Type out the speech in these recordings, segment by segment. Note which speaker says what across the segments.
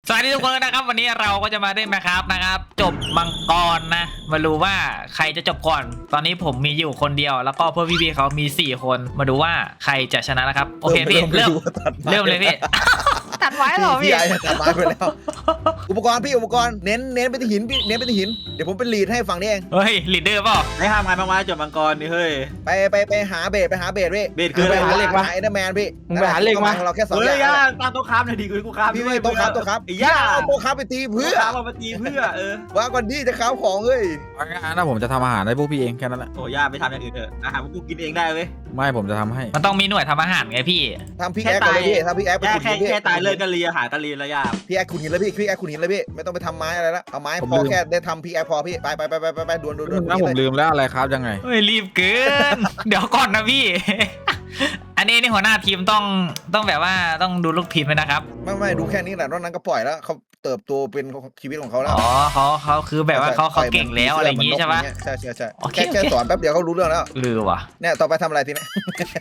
Speaker 1: สวัสดีทุกคนนะครับวันนี้เราก็จะมาเล่นนะครับจบมังกรนะมาดูว่าใครจะจบก่อนตอนนี้ผมมีอยู่คนเดียวแล้วก็เพื่อนพี่ๆเขามี4คนมาดูว่าใครจะชนะนะครับโอเคพี่เริ่มเลยพี่ตัดไว้เหรอพี่
Speaker 2: ตัดไม้ไปแล้วอุปกรณ์เน้นไปที่หินพี่เน้นไปที่หินเดี๋ยวผมเป็นลีดให้ฝั่งนี้เอง
Speaker 1: เฮ้ยลีดเดอร์เปล่า
Speaker 3: ไม่ห้ามงานมาจบมังกรนี่เฮ้ย
Speaker 2: ไปหาเบสพี่
Speaker 3: เบสคืออะไร
Speaker 2: หาเหล็กมาไอ้เดอร์แมนพี่
Speaker 4: มึงไปหาเหล็กมา
Speaker 2: เราแค่2
Speaker 3: เฮ้
Speaker 2: อยย่าง
Speaker 3: ย่าตามโต๊ะค้ามหน่อยดิกูค้าม
Speaker 2: พี่ไม่โต๊ะครับ
Speaker 3: ไอ้ย่า
Speaker 2: โต๊ะครับไปตีเพื่อ
Speaker 3: ค้ามมาตีเพื่อ
Speaker 2: ว่าก่อนที่จะค้าของเฮ้ย
Speaker 4: งั้นนะผมจะทำอาหารให้พวกพี่เองแค่นั้นแหละ
Speaker 3: โอ้ย่าไปทำอย่างอื่นเถอะอาหารพวกกูกินเองได้เว้ย
Speaker 4: ไม่ผมจะทำให้
Speaker 1: มันต้องมีหน่วยทำอาหารไงพี่
Speaker 2: ทำพี่แอ๊กเลยพี่ทำพี่แอ๊กไปขุดหินพี่
Speaker 3: แค่ตายเลยก็เลียหากันเลียแล้วย่า
Speaker 2: พี่แอ๊กขุดหินเลยพี่แอ๊กขุดหินเลยพี่ไม่ต้องไปทำไม้อะไรละเอาไม้พอแค่ได้ทำพี่แอ๊กพอพี่ไปด่วน
Speaker 4: แล้วผมลืมแล้วอะไรครับยังไง
Speaker 1: เฮ้ยรีบเกินเดี๋ยวก่อนนะพี่อันนี้หัวหน้าทีมต้องแบบว่าต้องดูลูกทีมไหมนะครับ
Speaker 2: ไม่ดูแค่นี้แหละนอกนั้นก็ปล่อยแล้วเขาเติบโตเป็นชีวิตของเขาแล้ว
Speaker 1: อ๋อเขาคือแบบว่าเขาเก่งแล้วอะไรอย่างงี้ใช่ปะ
Speaker 2: ใช่แค่สอนแป๊บเดียวเขารู้เรื่องแล้ว
Speaker 1: ลือว่ะ
Speaker 2: เนี่ยต่อไปทำอะไรทีนี้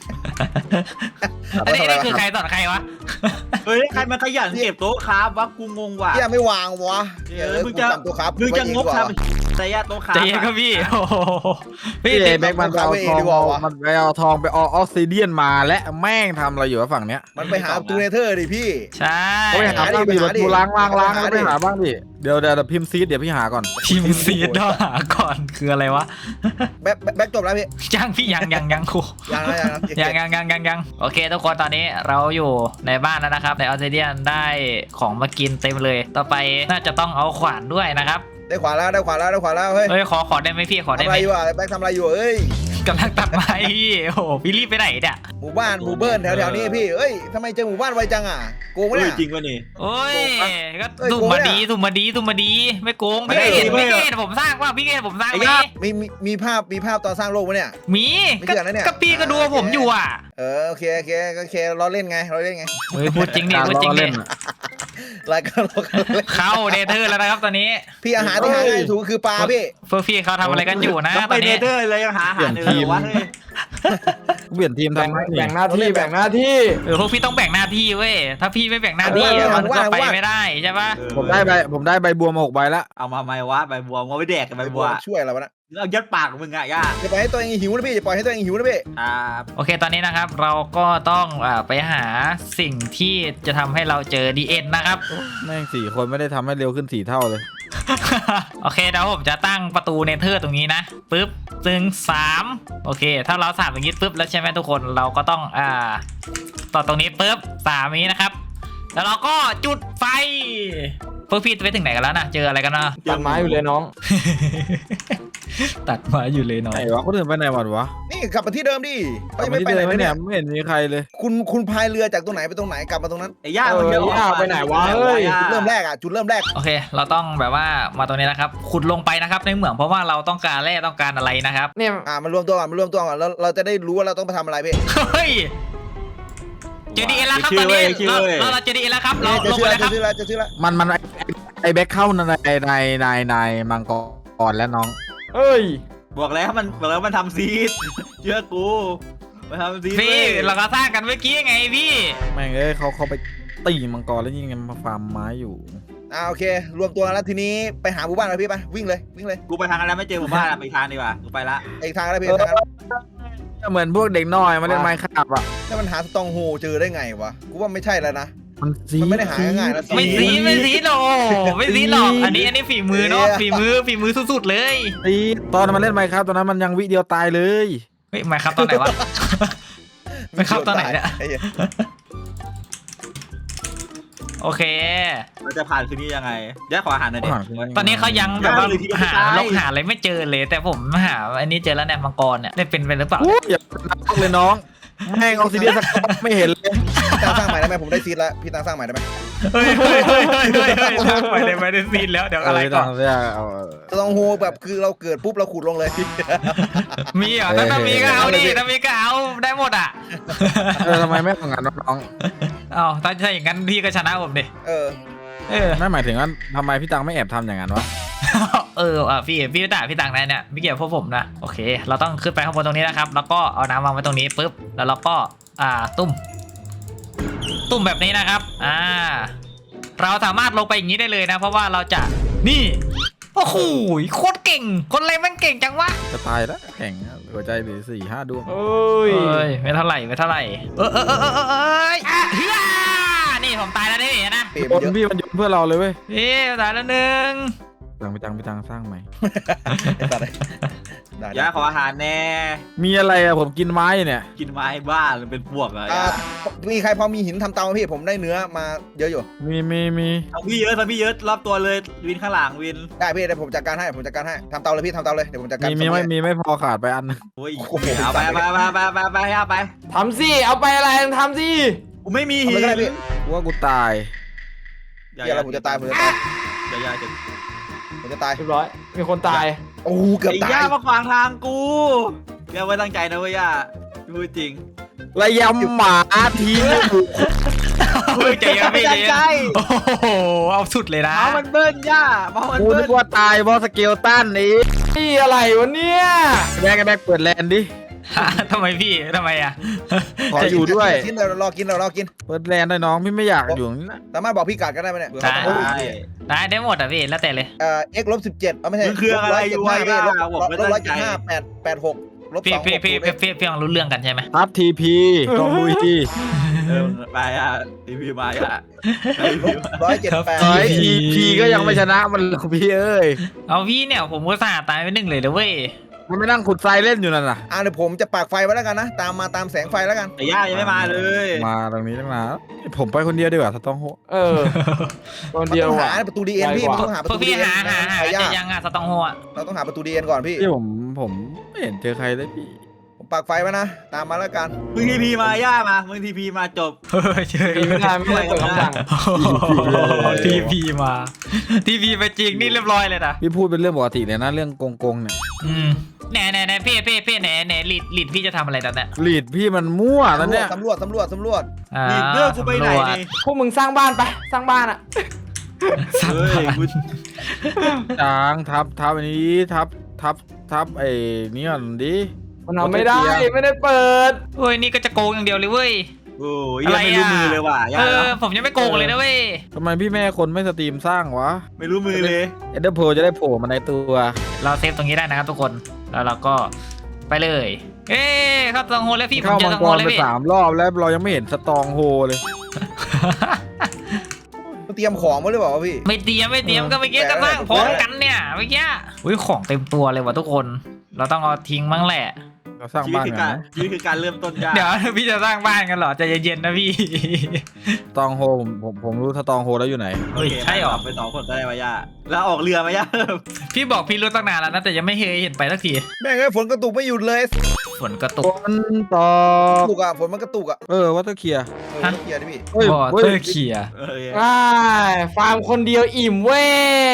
Speaker 1: อันนี้คือใครสอนใครวะ
Speaker 3: เฮ้ยใครมาขยันเก็บโต๊ะค้าวักกูงงว่ะ
Speaker 2: พี่ไม่วางวะ
Speaker 3: มึงจะงกทำแต่ย่าโต๊ะค้า
Speaker 1: ใจเย็นก็พี่
Speaker 4: พี่แบ็กมันเอาทองไปออสซิเดียนมาและแม่งทำอะไรอยู่ฝั่งเนี้ย
Speaker 2: มันไปหาตูเนเธอร์ดิพี่
Speaker 1: ใช่
Speaker 4: ไปหาบ้างดิประตูล้างไปหาบ้างดิเดี๋ยวพิมพ์ซีดเดี๋ยวพี่หาก่อน
Speaker 1: พิมพ์ซีดต้องหาก่อนคืออะไรวะ
Speaker 2: แบ็กจบแล้วพี่
Speaker 1: ยังพี่ยังครูยังโอเคทุกคนตอนนี้เราอยู่ในบ้านแล้วนะครับในออสเตรเลียได้ของมากินเต็มเลยต่อไปน่าจะต้องเอาขวานด้วยนะครับ
Speaker 2: ได้ขวานแล้วเฮ้ย
Speaker 1: ขอได้ไหมพี่ขอได้ไหม
Speaker 2: ทำอะไรอยู่อ่ะแบ็กทำอะไรอยู่เอ้ย
Speaker 1: กำลังตัดไม้พี่โอ้โหพี่รีบไปไหนเนี่ย
Speaker 2: หมู่เบิ้ลแถวนี้พี่เอ้ยทำไมเจอหมู่บ้านไวจังอ่ะโกงวะเนี่ย
Speaker 3: จริงวะนี่
Speaker 1: โอ้ยก็สุ่มมาดีไม่โกงพี่เกศผมสร้างว่าพี่เกศผมสร้างไหม
Speaker 2: มีภาพตอนสร้างโลกวะเนี่ย
Speaker 1: มีก็พี่ก็ดูผมอยู่อ่ะ
Speaker 2: โอเคเราเล่นไงเ
Speaker 1: ฮ้ยพูดจริงดิ
Speaker 2: รายการเรา
Speaker 1: เข้าเนเธอร์แล้วนะครับตอนนี้
Speaker 2: พี่อาหารที่หาได้ถูกคือปลาพี่
Speaker 1: เฟอร์ฟี่เขาทำอะไรกันอยู่นะ
Speaker 3: ตอนนี้เนเธอร์เลยยังหาอาหารเลยวะ
Speaker 4: เปลี่ยนทีมทำแบ่งหน้าที่
Speaker 1: พวกพี่ต้องแบ่งหน้าที่เว้ยถ้าพี่ไม่แบ่งหน้าที่มันก็ไปไม่ได้ใช่ปะ
Speaker 4: ผมได้ใบบัวมา6 ใบแล้ว
Speaker 3: เอามาไหมวะใบบัวเอาไปแดกกับใบบัว
Speaker 2: ช่วยอะไรวะนะ
Speaker 3: เอายัดปากมึงอ่ะย่า
Speaker 2: จะปล่อยให้ตัวเองหิวนะพี่จะปล่อยให้ตัวเองหิวนะพี่
Speaker 1: โอเคตอนนี้นะครับเราก็ต้องไปหาสิ่งที่จะทำให้เราเจอดีเอ็นนะครับ
Speaker 4: แม่ง4 คนไม่ได้ทำให้เร็วขึ้น4 เท่าเลย
Speaker 1: โอเคเดี๋ยวผมจะตั้งประตูเนเธอร์ตรงนี้นะปึ๊บ3โอเคถ้าเรา3อย่างนี้ปึ๊บแล้วใช่ไหมทุกคนเราก็ต้องต่อตรงนี้ปึ๊บ3นี้นะครับแล้วเราก็จุดไฟพวกพี่ไปถึงไหนกันแล้วนะเจออะไรกันนะ
Speaker 4: ตัดไม้อยู่เลยน้อง
Speaker 1: ตัดไม้อยู่เลยน้อง
Speaker 4: ไหนวะคนอื่นไปไหนวะ
Speaker 2: นี่กลับมาที่เดิมดิ
Speaker 4: ไม่ไปไหนเนี่ยไม่เห็นมีใครเลย
Speaker 2: คุณพายเรือจากตรงไหนไปตรงไหนกลับมาตรงนั้น
Speaker 3: ไอ้ย่ามันเยอะ
Speaker 4: ไปไหนวะเฮ้ย
Speaker 2: จุดเริ่มแรก
Speaker 1: โอเคเราต้องแบบว่ามาตรงนี้นะครับขุดลงไปนะครับในเหมืองเพราะว่าเราต้องการแร่ต้องการอะไรนะครับ
Speaker 2: เนี่ยมารวมตัวก่อนแล้วเราจะได้รู้ว่าเราต้องไปทำอะไรพี่
Speaker 1: เฮ้ยเจอดีเอ็นแล้วครับตอนนี้เราเจอดีเอ็นแล้วครับเราลงไปแล้วครับ
Speaker 2: จะชื่อละ
Speaker 4: มันไอแบ็คเข้าในมังกรแล้วน้อง
Speaker 3: เอ้ยบอกแล้วมันทำซีดเชื่อกูมันทำซีด
Speaker 1: พี่เราก็สร้างกันเมื่อกี้ไงพี่
Speaker 4: แม่งเขาไปตีมังกรแล้วยังมาฟาร์มไม้อยู่
Speaker 2: โอเครวมตัวแล้วทีนี้ไปหาหมู่บ้านเลยพี่ไปวิ่งเลย
Speaker 3: กูไปทางอะไรไม่เจอหมู่บ้านไปทางดีกว่ากูไปละ
Speaker 2: อีกทางแล้วพี่
Speaker 4: เหมือนพวกเด็กน้อยมาเล่นไม้ขับอ่ะ
Speaker 2: ถ้ามันหาสตองโฮเจอได้ไงวะกูว่าไม่ใช่แล้วนะมันไม่ได้หาง่ายๆนะ
Speaker 1: ไม่ซีหรอกอันนี้ฝีมือเนาะฝีมือสุดๆเลย
Speaker 4: ตอนมันเล่นไม้ครับตอนนั้นมันยังวิเดียวตายเลย
Speaker 1: เฮ้ยไม้ครับตอนไหนวะไม้ครับตอนไหนเนี่ยโอเค
Speaker 3: เราจะผ่านคืนนี้ยังไงแยกขออาหารหน่อยดิ
Speaker 1: ตอนนี้เขายังแบบว่าหาอะไรไม่เจอเลยแต่ผมหาอันนี้เจอแล้วเนี่ยมังกรเนี่ยได้เป็นหรือเปล่า
Speaker 4: อย่านักเลยน้องแม่งออกซิเดียนไม่เห็นเลย
Speaker 2: ตั้งสร้างใหม่ได้ไหมผมได้ซีดแล้วพี่ตั้งสร้างใหม่ได้ไหม
Speaker 1: เฮ้ยสร้างใหม่ได้ซีดแล้วเดี๋ยวอะไรก่อน
Speaker 2: ต้องโฮแบบคือเราเกิดปุ๊บเราขุดลงเลย
Speaker 1: มีเหรอถ้ามีก็เอาดิถ้ามีก็เอาได้หมดอ่ะ
Speaker 4: ทำไมไม่ของงานน้อง
Speaker 1: ถ้าอย่างนั้นพี่ก็ชนะผมดิ
Speaker 4: ไม่หมายถึงว่าทำไมพี่ตังไม่แอบทำอย่างนั้นวะ
Speaker 1: พี่ต่างเนี่ยไม่เกี่ยวพวกผมนะโอเคเราต้องขึ้นไปข้างบนตรงนี้นะครับแล้วก็เอาน้ำวางไว้ตรงนี้ปุ๊บแล้วเราก็ตุ่มแบบนี้นะครับเราสามารถลงไปอย่างนี้ได้เลยนะ เพราะว่าเราจะนี่โอ้โหโคตรเก่งคนอะไรมันเก่งจังวะ
Speaker 4: จะตายแล้วแข่งหัวใจเหลือ4-5 ดวง
Speaker 5: เอ้ย
Speaker 1: เอ้ยไม่เท่าไหร่ไม่เท่าไหร่เฮ้ยนี่ผมตายแล้วนี่นะ
Speaker 2: เปลี่ยน
Speaker 4: คน
Speaker 2: เยอะ
Speaker 4: พี่มันยนเพื่อเราเลยเว้ย
Speaker 1: นี่ตายแล้วหนึ่ง
Speaker 4: ไปตังสร้างใหม่
Speaker 2: ได้
Speaker 3: ย่าขออาหารแน่
Speaker 4: มีอะไรอะผมกินไม้เนี่ย
Speaker 3: กินไม้บ้าหรือเป็นพวกอะ
Speaker 2: มีใครพอมีหินทำเตาไหมพี่ผมได้เนื้อมาเยอะอยู่
Speaker 4: มี
Speaker 3: ทำพี่เยอะรอบตัวเลยวินข้างหลังวิน
Speaker 2: ได้พี่เดี๋ยวผมจัดการให้ทำเตาเลยพี่ทำเตาเลยเดี๋ยวผมจัดการ
Speaker 4: มีไม่พอขาดไปอันนึง
Speaker 3: โอ้ยเอาไปเอาไป
Speaker 5: ทำสิเอาไปอะไรทำสิ
Speaker 3: กูไม่มี
Speaker 2: ทำ
Speaker 3: หิ
Speaker 2: เลย
Speaker 3: น
Speaker 2: ก็ได้พี่
Speaker 4: กูว่ากูตาย
Speaker 2: เดี๋ยวเราผมจะตาย
Speaker 3: อย่าจะ
Speaker 2: ผมจะตาย
Speaker 5: เรียบร้อยมีคนตาย
Speaker 2: โอ้เกือบ
Speaker 3: ไอ้
Speaker 2: ตาย
Speaker 3: ย่ามาขวางทางกูย่าไว้ตั้งใจนะเว้ยย่าพูดจริง
Speaker 4: ระยำหมาทีม
Speaker 1: เฮ้ยใจเย็นพี่ใจเย็นโอ้โหเอาสุดเลยนะ
Speaker 3: เมามันเบิ้ลย่าเมามัน
Speaker 4: กู
Speaker 3: เบิ้
Speaker 4: นึ
Speaker 3: ล
Speaker 4: กว่าตายเพราะสเกลตันนี้
Speaker 5: นี่อะไรวะเนี่ย
Speaker 4: แบกเปิดแลนด์ดิ
Speaker 1: ทำไมพี่ทำไมอ่ะ
Speaker 4: ขออยู่ด้วย
Speaker 2: กินเรารอกิน
Speaker 4: เปิดแลนด์ได้น้องพี่ไม่อยากอยู่อย่างนี้นะ
Speaker 2: สามารถบอกพี่กัดกันได้ไหมเนี่ย
Speaker 1: ได้หมดอ่ะพี่แล้วแต่เลย
Speaker 2: x ลบ17ไม่ใช่
Speaker 3: มึงคืออะไรอยู่วะย่าบอกไม่ตั้งใจ
Speaker 2: 175 86ลบ
Speaker 1: พี่
Speaker 2: 2
Speaker 1: พี่ยังรู้เรื่องกันใช่ไหม
Speaker 4: ทับทีพีต้องลุยที
Speaker 3: ไปอ่ะรีวิวมาอ่ะ
Speaker 2: 178
Speaker 4: ทีพีก็ยังไม่ชนะมันหรอกพี่เอ้ย
Speaker 1: เอาพี่เนี่ยผมก็สาตายไปหนึ่งเลยนะเว้ย
Speaker 4: มันไม่นั่งขุดทรายเล่นอยู่นั่นน่ะ
Speaker 2: เดี๋ยวผมจะปากไฟไว้แล้วกันนะตามแสงไฟแล้วกัน
Speaker 3: แต่ย่ายังไม่มาเลย
Speaker 4: มาตรงนี้ตั้งนานผมไปคนเดียวดีกว่าสต้องโฮ
Speaker 5: เออคนเดียว
Speaker 2: ต้อง
Speaker 5: ว่ะ
Speaker 2: หาประตูดีเอ็นพี่มันต้องหาประ
Speaker 1: พวก
Speaker 2: ตูดี
Speaker 1: พี่
Speaker 2: เอ็น
Speaker 1: หา
Speaker 2: ใครยาก
Speaker 1: จะยังอ่ะสตองโฮอ่ะ
Speaker 2: เราต้องหาประตูดีเอ็นก่อนพี่
Speaker 4: พี่ผมไม่เห็นเจอใครเลยพี่
Speaker 2: ผมปากไฟไว้นะตามมาแล้วกัน
Speaker 3: มึงทีพีมาย่ามามึงทีพีมาจบ
Speaker 1: เชื่อ
Speaker 5: ไม่ได้เปิดคำสั่ง
Speaker 1: ทีพีมาทีพีไปจริงนี่เรียบร้อยเลยนะ
Speaker 4: พี่พูดเป็นเรื่องปกติเลยนะเรื่องโกงเนี่ย
Speaker 1: แหน่พี่แหน่ลีดพี่จะทำอะไรตอนเนี้ย
Speaker 4: ลีดพี่มันมั่วแล้วเนี่ย
Speaker 2: สำรวจ
Speaker 3: นี่เรื่องกูไปไหนนี่
Speaker 5: พวกมึงสร้างบ้านไปสร้างบ้านอ่ะ
Speaker 3: เฮ้ยกู
Speaker 4: จางทับอันนี้ทับไอ้นี่ก่อนดิ
Speaker 5: มันทำไม่ได้ไม่ได้เปิด
Speaker 1: เฮ้ยนี่ก็จะโกงอย่างเดียวเลยเว้ย
Speaker 3: โอ้ยยังไม่รู้มือเลยว่ะย่า
Speaker 1: ผมยังไม่โกงเลยนะเว้ย
Speaker 4: ทำไมพี่แม่คนไม่สตรีมสร้างวะ
Speaker 3: ไม่รู้มือเลย
Speaker 4: เอ็นเดอร์โพจะได้โผล่มาในตัว
Speaker 1: เราเซฟตรงนี้ได้นะครับทุกคนแล้วเราก็ไปเลยเอ้เข้าสตองโฮแล้วพี่ผม
Speaker 4: เข้า
Speaker 1: เจอ
Speaker 4: มั
Speaker 1: ส
Speaker 4: ง
Speaker 1: ตอง
Speaker 4: ก
Speaker 1: โฮ
Speaker 4: ร
Speaker 1: เลย
Speaker 4: ไป
Speaker 1: พี่
Speaker 4: 3 รอบแล้วเรายังไม่เห็นสตองโฮเลย
Speaker 2: เตรียมของมาหรือเปล่าวะพี่
Speaker 1: ไม่เตรียมก็เมื่อกี้ก็สร้างพร้อมกันเนี่ยเมื่อกี้อุ้ยของเต็มตัวเลยว่ะทุกคน เราต้องเอาทิ้งมั้งแหละ
Speaker 4: เราสร้าง
Speaker 3: ชีวิต
Speaker 4: บ้าน
Speaker 3: คือ
Speaker 4: กั
Speaker 3: กาน ร
Speaker 4: นะ
Speaker 3: ชีวิตคือการเริ่มต้นยาก
Speaker 1: เดี๋ยวพี่จะสร้างบ้านกันเหรอใจเย็นๆนะพี่
Speaker 4: สตองโฮผมรู้สตองโฮแล้วอยู่ไหน
Speaker 1: เฮ้ยใช่เหรอ
Speaker 3: ไป2 คนก็ได้มาย่าแล้วออกเรือมาย่า
Speaker 1: พี่บอกพี่รู้ตั้งนานแล้วนะแต่ยังไม่เคยเห็นไปสักที
Speaker 2: แม่งไอ้ฝนกระตุกไม่หยุดเลย
Speaker 1: ฝนกระตุ
Speaker 4: ฝ
Speaker 1: ก
Speaker 4: นตก
Speaker 2: ฝนมันกระตุกอ่ะ
Speaker 4: วัตเตอร์เคลียร์
Speaker 2: เคลียร์ดิพี่
Speaker 4: เฮ้ย
Speaker 1: บอ
Speaker 4: เฮ้
Speaker 1: เตอย ร์เขีย
Speaker 5: อ้ายฟาร์มคนเดียวอิ่มเว้ย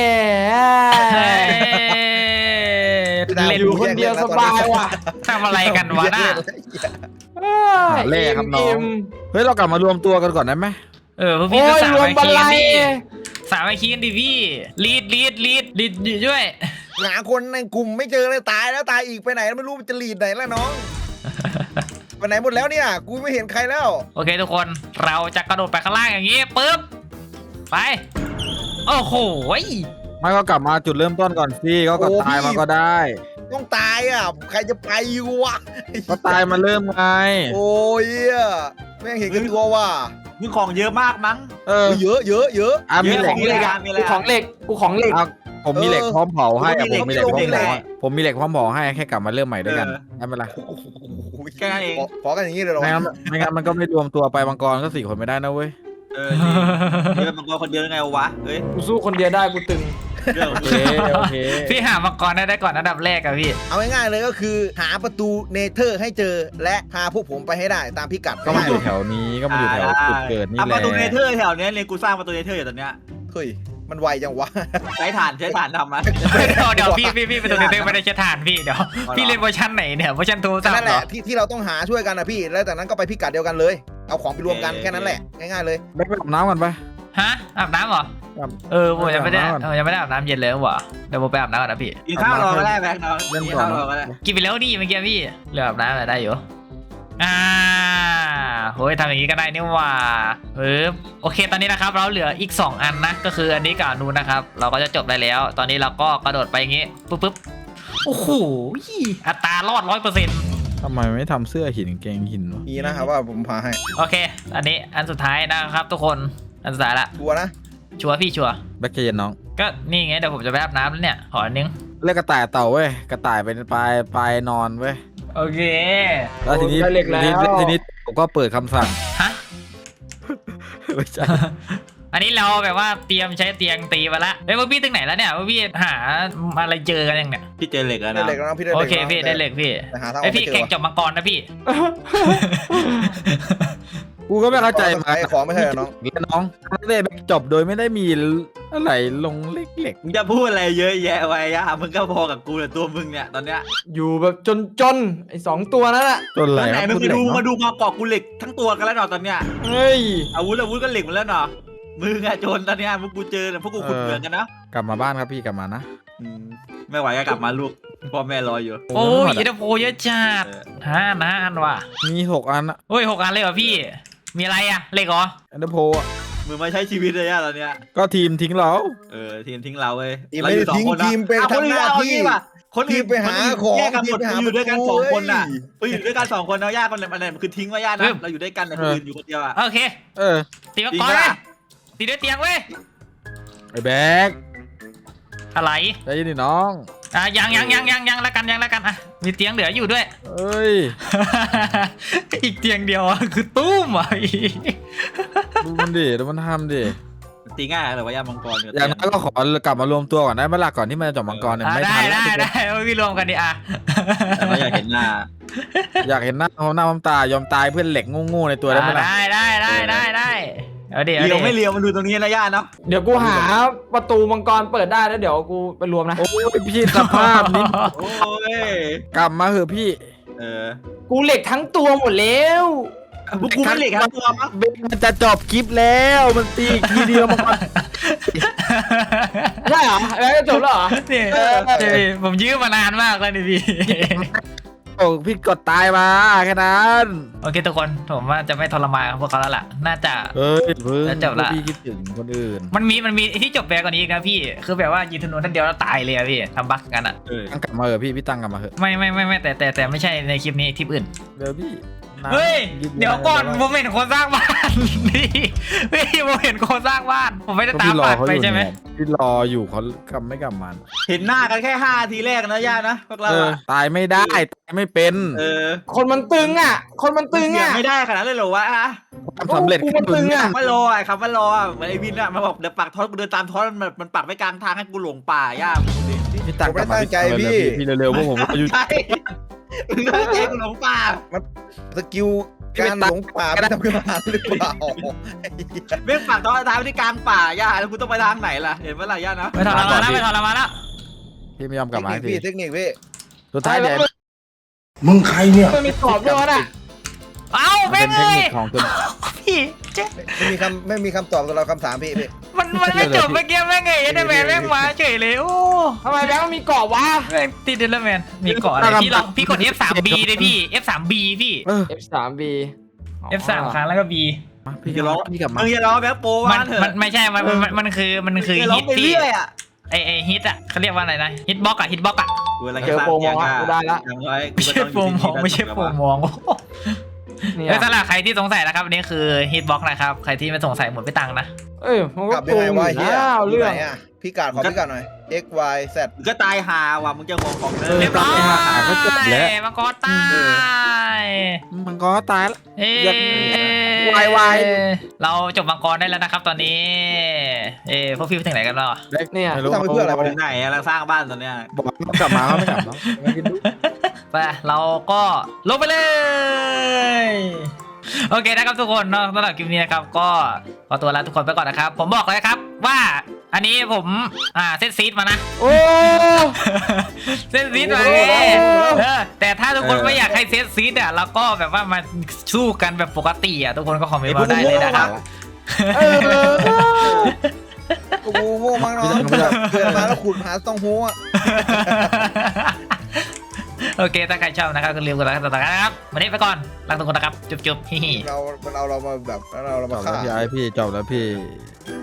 Speaker 1: เล่น
Speaker 5: อยู่คนเดียวสบายว่ะ
Speaker 1: ทำอะไรกันวะน่ะ
Speaker 4: หาแร่ครับน้อง เฮ้ยเรากลับมารวมตัวกันก่อนได้ไหม
Speaker 1: พวก
Speaker 5: โอ้
Speaker 1: พี่ก็
Speaker 5: ย
Speaker 1: สาม
Speaker 5: รวม
Speaker 1: ไอ
Speaker 5: บัน
Speaker 1: คี
Speaker 5: ไล
Speaker 1: กันดิสามไอคีกันดิพี่ลีดอยู่ด้วย
Speaker 2: หาคนในกลุ่มไม่เจอเลยตายแล้วตายอีกไปไหนไม่รู้จะลีดไหนแล้วน้องไปไหนหมดแล้วเนี่ยกูไม่เห็นใครแล้ว
Speaker 1: โอเคทุกคนเราจะกระโดดไปข้างล่างอย่างนี้ปึ๊บไปโอ้โห
Speaker 4: ไม่ก็กลับมาจุดเริ่มต้นก่อนสิก็ตายมาก็ได้
Speaker 2: ต้องตายอ่ะใครจะไปวะ
Speaker 4: ก็ตายมาเริ่มไง
Speaker 2: โอ้ยแม่งเห็นกันตัวว่ะ
Speaker 3: มีของเยอะมากมั้ง
Speaker 2: เยอะ
Speaker 4: มีเหล็ก
Speaker 5: ของเหล็กอะกูของเหล็กกูของเหล็ก
Speaker 4: ผมมีเหล็กพร้อมเผาให้
Speaker 3: ผมมีเหล็ก
Speaker 4: ผมมีเหล็กพร้อมเผาให้แค่กลับมาเริ่มใหม่ด้วยกันได้ไหมล่ะ
Speaker 3: แค่นั้นเอง
Speaker 2: ขอกันอย่างนี้เลยหรอ
Speaker 4: ไม่งั้นมันก็ไม่รวมตัวไปมังกรก็4 คนไม่ได้นะเว้ย
Speaker 3: นี่เป็นมังกรคนเดียวยังไงวะเฮ้ย
Speaker 5: กูสู้คนเดียวได้กูตึง
Speaker 3: เรื่อง
Speaker 4: โอเค
Speaker 1: พี่หามังกรได้ก่อนอันดับแรกอะพี่
Speaker 2: เอาง่ายๆเลยก็คือหาประตูเนเธอร์ให้เจอและพาพวกผมไปให้ได้ตามพิกัด
Speaker 4: ก็มาอยู่แถวนี้ก็มาอยู่แถวจุดเกิดนี่แห
Speaker 3: ป
Speaker 4: ละ
Speaker 3: ระตูเนเธอร์แถวเนี้ยเลยกูสร้างประตูเนเธอร์อยู่ตอนเนี้ย
Speaker 2: เฮ้ยมันไวจังวะ
Speaker 3: ใช้ฐานทำมา
Speaker 1: เดี๋ยวพี่ไปตรงนี้ไม่ได้ใช้ฐานพี่เดี๋ยวพี่เล่นเวอร์ชันไหนเนี่ยเวอร์ชันโทรศัพ
Speaker 2: นั่
Speaker 1: ท์
Speaker 2: น
Speaker 1: เห
Speaker 2: แห
Speaker 1: ร
Speaker 2: ละ
Speaker 1: อ
Speaker 2: ที่เราต้องหาช่วยกันนะพี่แล้วจากนั้นก็ไปพิกัดเดียวกันเลยเอาของไปรวมกันแค่นั้นแหละง่ายๆเลย
Speaker 4: แบกไปอาบน้ำกันไป
Speaker 1: ฮะอาบน้ำเหรอ
Speaker 4: ครับ
Speaker 1: ผมยังไม่ได้
Speaker 4: อาบน้ำก่อน
Speaker 1: ยังไม่ได้อาบน้ำเย็นเลยว่ะเดี๋ยวผมไปอาบน้ำก่อนนะพี่
Speaker 3: กินข้าวรอก็ได้แบงค์น้อง
Speaker 4: เล่น
Speaker 3: กิน
Speaker 4: ก่อน
Speaker 3: ข้าวรอก็ได้
Speaker 1: กินไปแล้วดิเมื่อกี้พี่เหลืออาบน้ำอะไรได้อยู่โอ้ยทำอย่างนี้ก็ได้นี่หว่าโอเคตอนนี้นะครับเราเหลืออีก2อันนะก็คืออันนี้กับอันนู้นนะครับเราก็จะจบได้แล้ว ตอนนี้เราก็กระโดดไปอย่างงี้ปุ๊บโอ้โหอัตรารอด 100%
Speaker 4: ทำไมไม่ทำเสื้อหินกางเกงหินวะ
Speaker 2: มีนะครับว่าผมพาให้
Speaker 1: โอเคอันนี้อันสุดท้ายนะครับทุกคนอันสุดท้ายละ
Speaker 2: ชัวร์นะ
Speaker 1: ชัวร์พี่ชัวร์
Speaker 4: แบ็คเย็นน้อง
Speaker 1: ก็นี่ไงเดี๋ยวผมจะไปอาบน้ำแล้วเนี่ยขออันนึง
Speaker 4: เรียกกระต่ายเต่าเว้ยกระต่ายเป็นปลายนอนเว้ย
Speaker 1: โอเค
Speaker 4: แล้วทีนี้
Speaker 5: ได้เหล็กแล้ว
Speaker 4: ทีนี้ผมก็เปิดคำสั่ง
Speaker 1: ฮะ
Speaker 4: ไม่ใช่
Speaker 1: อันนี้เราแบบว่าเตรียมใช้เตียงตีมาละพวกพี่ตึงไหนแล้วเนี่ยพวกพี่หาอะไรเจอกันยังเนี่ย
Speaker 3: พี่เจอเหล็กแล้ว
Speaker 2: ได้
Speaker 3: นะ
Speaker 2: เหล็กแล้วนะพี่ได้
Speaker 1: โอ
Speaker 2: เหล็ก
Speaker 1: เคพี่ได้เหล็กพี่
Speaker 2: แต่หาทางอ
Speaker 1: ไอ
Speaker 2: อก
Speaker 1: พี่
Speaker 2: ไม่เจ
Speaker 1: แข่
Speaker 2: อง
Speaker 1: จับมังกรนะพี่
Speaker 4: กูก็ไม่เข้าใจ
Speaker 2: ขายของไม่ใช่เหรอน้อง
Speaker 4: แล้วน้องเล่นจบโดยไม่ได้มีอะไรลงเล็ก
Speaker 3: มึงจะพูดอะไรเยอะแยะไว้อะมึงก็พอกับกูแต่ตัวมึงเนี่ยตอนเนี้ย
Speaker 5: อยู่แบบจนไอ้2ตัวนั่นแหละ
Speaker 4: ๆจนอะไร
Speaker 3: ตอนไหน
Speaker 4: ครับ
Speaker 3: มึง
Speaker 4: พูดเหล็ก
Speaker 3: มา
Speaker 4: เนาะ
Speaker 3: ดูมาเกาะกูเหล็กทั้งตัวกันแล้วเนาะตอนเนี้ย
Speaker 5: เฮ้ย
Speaker 3: อาวุธก็เหล็กหมดแล้วเนาะมึงอะโจรตอนเนี้ยพวกกูเจอเนี่ยพวกกูขุดเหมืองกันนะ
Speaker 4: กลับมาบ้านครับพี่กลับมานะ
Speaker 3: ไม่ไหวก็กลับมาลูกพ่อแม่รออยู่
Speaker 1: โอ้ยอินเตอร์โพเยอะจัดห้าอันว่ะ
Speaker 4: มี6 อันอะ
Speaker 1: โอ้ย6 อันเลยเหรอพี่ มีอะไรอะเหล็กเหรอ
Speaker 4: อันเดอร์โพอะ
Speaker 3: มึงมาใช้ชีวิตเลยอะตอนเนี้ย
Speaker 4: ก็ทีมทิ้งเรา
Speaker 3: ทีมทิ้งเราเว้ย
Speaker 2: ทีมไม่ได้ทิ้งทีมไปทำหน้าที่
Speaker 3: คน
Speaker 2: ที
Speaker 3: อื่
Speaker 2: ม
Speaker 3: น
Speaker 2: ไปหาของ
Speaker 3: แยกกันหมด
Speaker 2: ทีมไปหา
Speaker 3: อยู่ด้วยกัน
Speaker 2: ประตู
Speaker 3: 2 คนน่ะ
Speaker 2: เว้ย
Speaker 3: อยู่ด้วยกัน2 คนนะญาติคนไหนมันไหนคือทิ้งไว้ญาตินะเราอยู่ด้วยกันแต่คนอื่นอยู่คนเดียวอะ
Speaker 1: โอเค
Speaker 4: เออ
Speaker 1: ตีมัง
Speaker 3: จริ
Speaker 1: ก
Speaker 3: ง
Speaker 1: ร
Speaker 3: ปะ
Speaker 1: เลยตีด้วยเตียงเว้ย
Speaker 4: ไอ้แบ็ค
Speaker 1: อะไร
Speaker 4: ใจเย็นดิน้อง
Speaker 1: ยังแล้วกันอ่ะมีเตียงเหลืออยู่ด้วย
Speaker 4: เอ้ย
Speaker 1: อีกเตียงเดียวอะคือตุ้มอ่ะอีก
Speaker 4: ดูมันดิดูมันทำดิ
Speaker 3: ตีง่ายเหรอว่าญาติมังกร
Speaker 4: อย่างนั้นก็ขอกลับมารวมตัวก่อนได้ไหมล่ะก่อนที่มันจะจบมังกรเนี่ยไม่ทันแล้ว
Speaker 1: ได้พี่รวมกันดิอ่ะ
Speaker 3: แต่ว่าอยากเห็นหน้า
Speaker 4: อยากเห็นหน้าเขาหน้าตายอมตายเพื่อนเหล็กโง่ๆในตัวได้ไหมล่ะ
Speaker 1: ได้เอาดี๋ยว
Speaker 3: เลี้ยวไม่เลี้ยวมันดูตรงนี้นะญาติเนาะ
Speaker 5: เดี๋ยวกูหาประตูมังกรเปิดได้แล้วเดี๋ยวกูไปรวมนะ
Speaker 4: โอ้ยพี่สภาพนี้
Speaker 3: โอ้ย
Speaker 4: กลับมาเหอะพี่
Speaker 5: กูเหล็กทั้งตัวหมดแล้ว
Speaker 3: พวกกูไม่เหล็กทั้งตัวมั้ง
Speaker 4: มันจะจบคลิปแล้วมันตีอีกทีเดียวมันก็
Speaker 5: ใช่เหรอแล้วก็จบแล้วเหรอ
Speaker 1: นี่ผมยื้อมานานมากแล้วนี่พี่
Speaker 4: โอ้พี่กดตายมาแค่นั้น
Speaker 1: โอเคทุกคนผมว่าจะไม่ทรมานพวกเขาแล้วล่ะน่าจะ
Speaker 4: เฮ้ยเพิ่ง
Speaker 1: แล้วจบละ
Speaker 4: พี่คิดถึงคนอื่น
Speaker 1: มันมีที่จบแปลกว่านี้อีกนะพี่ คือแบบว่ายิงธนูท่านเดียวแล้วตายเลยอะพี่ทำบั๊กกันอะ
Speaker 4: ตั้งกลับมาเหอะพี่ตั้งกลับมาเหอะ
Speaker 1: ไม่แต่ไม่ใช่ในคลิปนี้คลิปอื่น
Speaker 4: เดี๋ยวพี่น้ำ
Speaker 1: เฮ้ย
Speaker 4: บ
Speaker 1: เดี๋ยวก่อนผมเห็นคนสร้างบ้าน พี่ผมเห็นคนสร้างบ้าน ผมไม่ได้
Speaker 4: ก็
Speaker 1: ตาม
Speaker 4: พี่รอ
Speaker 1: บ้าน
Speaker 4: เขา
Speaker 1: ไป
Speaker 4: อยู่
Speaker 1: ใช่ไหม
Speaker 4: เนี่ยพี่รออยู่เขากลับไม่กลับมา
Speaker 3: เห็นหน้ากันแค่5 ทีแรกนะญาตินะพวกเรา
Speaker 4: ตายไม่ได้ตายไม่เป็น
Speaker 5: คนมันตึงอ่ะ คนมันตึงอ่ะ
Speaker 3: ไม่ได้ขนาดนั้นเลยเหรอวะ
Speaker 4: ความสำเร็จ
Speaker 5: กูมันตึงอะ
Speaker 3: คำว่ารอไอ้คำว่ารอเหมือนไอ้วินอะมันบอกเดี๋ยวปักท้อนกูเดินตามท้อนมันปักไว้กลางทางให้กูหลงป่าญาติ
Speaker 4: พี่ตั้งกลับมาพี่เร็วๆพวกผมอายุ
Speaker 3: ใช่มึงก็ใจกูหลงป่า
Speaker 2: สกิลการหลงป่าไม่ทำขึ้นมาหรือเปล่า
Speaker 3: เม่งปักท้อนท้ายไว้ที่กลางป่าญาติแล้วกูต้องไปทางไหนล่ะเห็นไหมล่ะญาตินะ
Speaker 1: ไม่ทรมานแล้วไม่ทรมานแล้ว
Speaker 4: พี่ไม่ยอมกลับมา
Speaker 2: เทคนิคพี่
Speaker 4: สุดท้ายเดี๋ยว
Speaker 6: มึงใครเนี่ย
Speaker 5: มันมีกรอบด้วยน่ะ
Speaker 1: เอ้า
Speaker 4: มั
Speaker 1: แม่
Speaker 4: น
Speaker 1: ง
Speaker 4: เป็นเท
Speaker 1: เล
Speaker 4: ค
Speaker 1: ย
Speaker 4: นิคของตัว
Speaker 1: พี่เจ๊
Speaker 2: ไม่มีคำตอบสำหรับคำถามพี่
Speaker 1: มันไม่จบเมื่อกี้แม่งไงยันแมนแม่งมาเฉยเลยโอ้
Speaker 5: ทำไมแบงค์มันมีกรอบวะ
Speaker 1: แม่งติดเดลแมนมีเกาะอะไรพี่ลองพี่กด F3B เลยพี่ F3B พี่
Speaker 5: F3B
Speaker 1: F3 ครั้งแล้วก็ B
Speaker 4: พี่จะร้องพี่กลับมา
Speaker 3: มึงอย่าร้องแบ็คโป
Speaker 1: มั
Speaker 3: ว่าน เถอะ
Speaker 1: ไม่ใช่มันคือ
Speaker 3: อย่าร้อ
Speaker 1: ฮิ
Speaker 3: ง
Speaker 1: ต
Speaker 3: ไป
Speaker 1: พี่
Speaker 3: เรื่อยอะ
Speaker 1: ไอฮิตอ่ะเขาเรียกว่าอะไรนะฮิตบล็อกอะฮิตบล็อกอะ
Speaker 3: กูอะไร
Speaker 5: เจอโปรโมทกูได้ละ
Speaker 3: อย่างน้อย
Speaker 1: ไม่ใช่โปรมองไม่ใช่โปรมอง
Speaker 5: เนี่ย
Speaker 1: แล้วสำหรับใครที่สงสัยนะครับอันนี้คือฮิตบล็อกนะครับใครที่ไม่สงสัยหมดไปตังค์นะ
Speaker 5: เอ้ยมัน
Speaker 2: ก
Speaker 5: ก็
Speaker 2: ลับ
Speaker 5: ต
Speaker 2: ยัง
Speaker 5: รง
Speaker 2: ไง
Speaker 5: อยู่
Speaker 2: วะเฮีย
Speaker 5: นะเอา
Speaker 2: เรื่
Speaker 5: เรื่
Speaker 2: อ
Speaker 5: อง ง
Speaker 2: อ่ะพี่กาดขอพี่กาดหน่อย x y z
Speaker 3: มึงก็ตายหาว่ะมึงจะงงของเดิ
Speaker 1: เรียบร้อย
Speaker 4: ก็จบแล้ว
Speaker 1: มังกรตาย
Speaker 4: มันก็ตายแล้ว
Speaker 1: เอ้
Speaker 4: อยากวาย
Speaker 1: เราจบมังกรได้แล้วนะครับตอนนี้พวกพี่ไปถึงไหนกันแล้ว
Speaker 5: เนี่ย
Speaker 4: ไม่รู้
Speaker 2: ทำไปเพื่ออะไรวะ
Speaker 3: ถึงไหนอะเราสร้างบ้านตอนเนี้ย
Speaker 4: บอกเขากลับมาเขาไม่กลับเนาะไม่คิดดู
Speaker 1: ไปเราก็ลงไปเลยโอเคนะครับทุกคนเนาะสำหรับคลิปนี้นะครับก็ขอตัวลาทุกคนไปก่อนนะครับผมบอกเลยครับว่าอันนี้ผมเซตซีดมานะ
Speaker 5: โอ้
Speaker 1: เซตซีดมาแต่ถ้าทุกคนไม่อยากให้เซตซีดเราก็แบบว่ามาสู้กันแบบปกติทุกคนก็คอมเมนต์มาได้เลยนะครับ
Speaker 2: โอ้โหโง่มากเนาะเกิดมาแล้วขุดหาต้องหัว
Speaker 1: โโอเคถ้าใครชอบนะครับก็ลืมกดไลค์กดติดตามนะครับวันนี้ไปก่อนลาทุกคนนะครับจุ๊บๆฮิฮิ
Speaker 2: มันเอาเรามาแบบเรา
Speaker 4: จ
Speaker 2: มา
Speaker 4: บ
Speaker 2: ฆ่า
Speaker 4: แล้วพี่ไอพี่จบแล้วพี่
Speaker 2: เ